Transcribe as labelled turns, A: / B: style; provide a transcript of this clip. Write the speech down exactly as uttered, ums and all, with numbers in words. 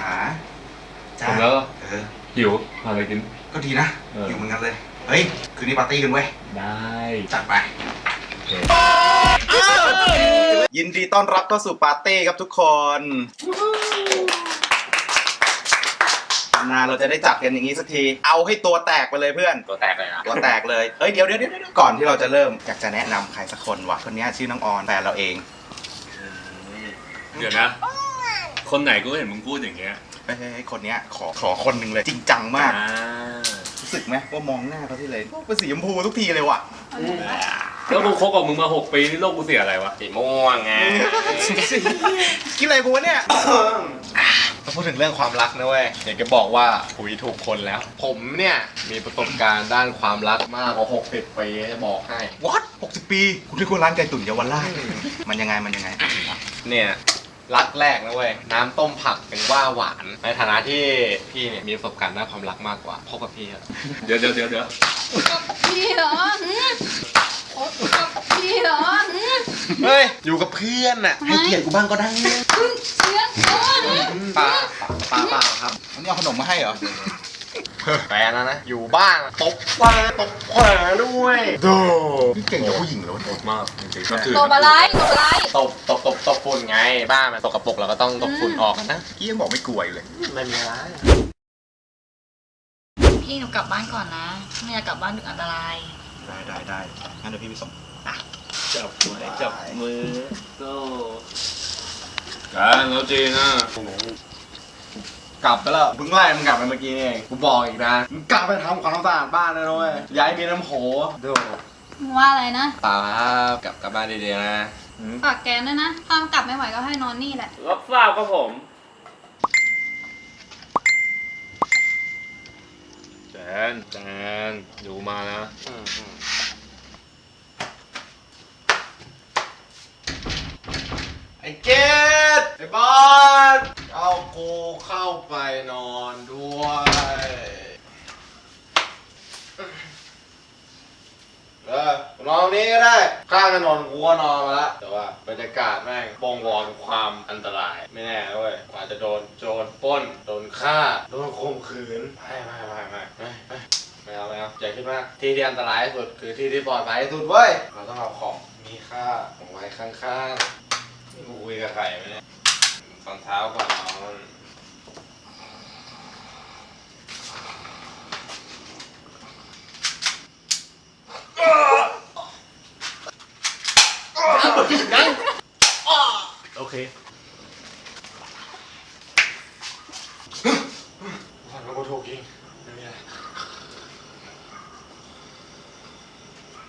A: จ๋าจ้า
B: ผมแล้ว
A: เออ
B: หิวหาอะไรกิน
A: ก็ดีนะอยู่เหมือนกันเลยเฮ้ยคืนนี้ปาร์ตี้กันเว้ย
B: ได้
A: จัดไปยินดีต้อนรับเข้าสู่ปาร์ตี้ครับทุกคนนานเราจะได้จัดกันอย่างนี้สักทีเอาให้ตัวแตกไปเลยเพื่อน
C: ตัวแตกเลยนะ
A: ตัวแตกเลยเฮ้ยเดี๋ยวเดี๋ยวเดี๋ยวก่อนที่เราจะเริ่มอยากจะแนะนำใครสักคนว่ะคนนี้ชื่อน้องออนแฟนเราเอง
B: เดี๋ยวนะคนไหนกูเห็นมึงพูดอย่างเงี้ย
A: เฮ้ยคนนี้ขอขอคนหนึ่งเลยจริงจังมากรู้สึกไหมว่ามองหน้าเขาที่เลยเป็นสีชมพูทุกทีเลยว่ะ
B: แล้วกูคบกับมึงมาหกปีนี่โลกกูเสียอะไรวะ
C: สีม่วงไง
A: กินอะไรกูวะเนี่ย
C: มาพูดถึงเรื่องความรักนะเว้ยอยากจะบอกว่าคุยถูกคนแล้วผมเนี่ยมีประสบการณ์ด้านความรักมากกว่าหกสิบปีจะบอกให้
A: what หกสิบปีคุณที่คุณร้านไก่ตุ๋นเยาวราชมันยังไงมันยังไง
C: เนี่ยรักแรกนะเว้ยน้ำต้มผักเป็นว่าหวานในฐานะที่พี่เนี่ยมีประสบการณ์ด้านความรักมากกว่าพบกับพี่อะ
B: เดี๋ยวเดี๋ยวเดี๋ยวเดี๋ยว
D: พี่เหรอพี่เหรอ
C: เฮ้ยอยู่กับเพื่อนน่ะให้เกียรติกูบ้างก็ได้
D: เสียง
C: ป้าป้าป้าครับ
A: วันนี้เอาขนมมาให้เหรอ
C: แฟนนะนะอยู่บ้านตบขวาตบขวาด้วย
A: โดพี่เก่งกับผู้หญิงเลย
B: โหดมากจริงๆ
D: ตบอะไรตบอะไร
C: ตบตบตบตบฝุ่นไงบ้านมันตกกระปรกเราก็ต้องตบฝุ่นออกนะ
A: กี้ยังบอกไม่กลัวอยู่เลย
C: ไม่มีอะไร
D: พี่หนูกลับบ้านก่อนนะไม่อยากกลับบ้านดึกอันตราย
A: ได้ได้ได้งั้นเดี๋ยวพี่ไปส่ง
B: จับมือจับมือโซ่กันแล้วจีนะ
C: กลับไปแล้วเพิ่งไล่มึงกลับไปเมื่อกี้นี่เองกูบอกอีกนะมึงกลับไปทำความสะอาดบ้านนะน้อยย้ายมีน้ำโหดู
D: ว่าอะไรนะ
C: เปล่าครับกลับกลับบ้านดีๆนะ
D: ฝากแกด้วยนะถ้ากลับไม่ไหวก็ให้นอนนี่แหละ
B: รับทราบครับผมแจนแจนอยู่มานะ
C: ไอ้เกดไอ้บอสเอากูเข้าไปนอนด้วยเออนอนนี้ก็ได้ข้างถนนกูก็นอนมาแล้วแต่ว่าบรรยากาศแม่งบ่งบอกความอันตรายไม่แน่ด้วยอาจจะโดนโจรปล้นโดนฆ่าโดนข่มขืนไม่ไม่ไม่ไม่ไม่ไม่เอาไม่เอาอย่าคิดมากที่ที่อันตรายที่สุดคือที่ที่ปลอดภัยที่สุดเว้ยเราต้องเอาของมีค่าของไว้ข้างๆนี่กูคุยกับใครไหมเนี่ยตอนเช้าก่อนนอน